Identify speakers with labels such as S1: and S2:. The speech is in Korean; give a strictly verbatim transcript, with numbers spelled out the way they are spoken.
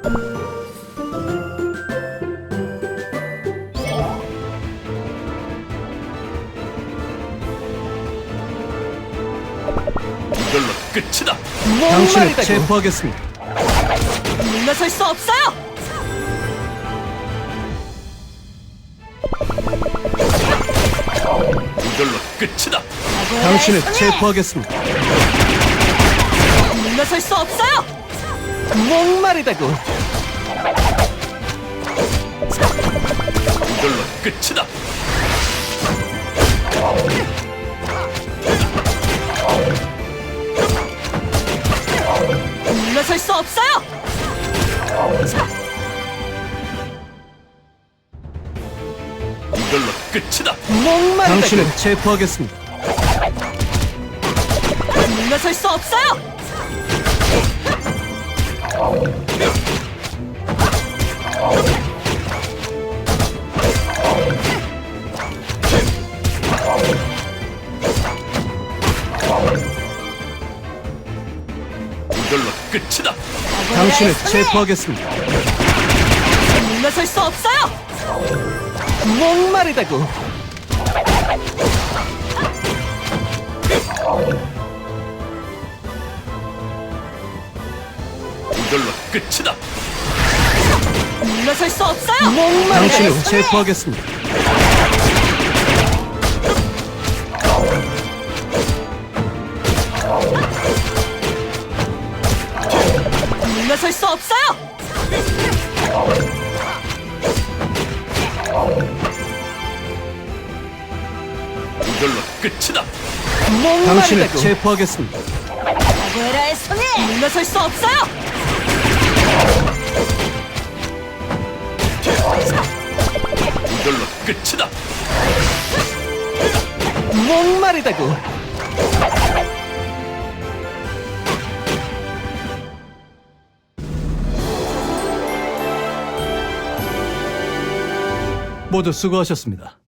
S1: 이걸로 끝이다.
S2: 당신을 체포하겠습니다.
S3: 물러설 수 없어요.
S1: 이걸로 끝이다.
S2: 당신을 체포하겠습니다.
S3: 물러설 수 없어요.
S2: 목마르다고.
S1: 이걸로 끝이다.
S3: 물러설 수 없어요.
S1: 이걸로 끝이다.
S2: 목마르다고. 당신을 체포하겠습니다.
S3: 물러설 수 없어요.
S1: 이걸로 끝이다.
S2: 당신을 체포하겠습니다.
S3: 물러설 수 없어요.
S2: 목마르다고.
S1: 이걸로 끝이다.
S3: 물러설 수 없어요.
S2: 당신을 체포하겠습니다.
S3: 물러설 수 없어요.
S1: 이걸로 끝이다.
S2: 당신을 체포하겠습니다.
S3: 아구에라의 손에 물러설 수 없어요.
S1: 이걸로 끝이다.
S2: 목마르다고. 모두 수고하셨습니다.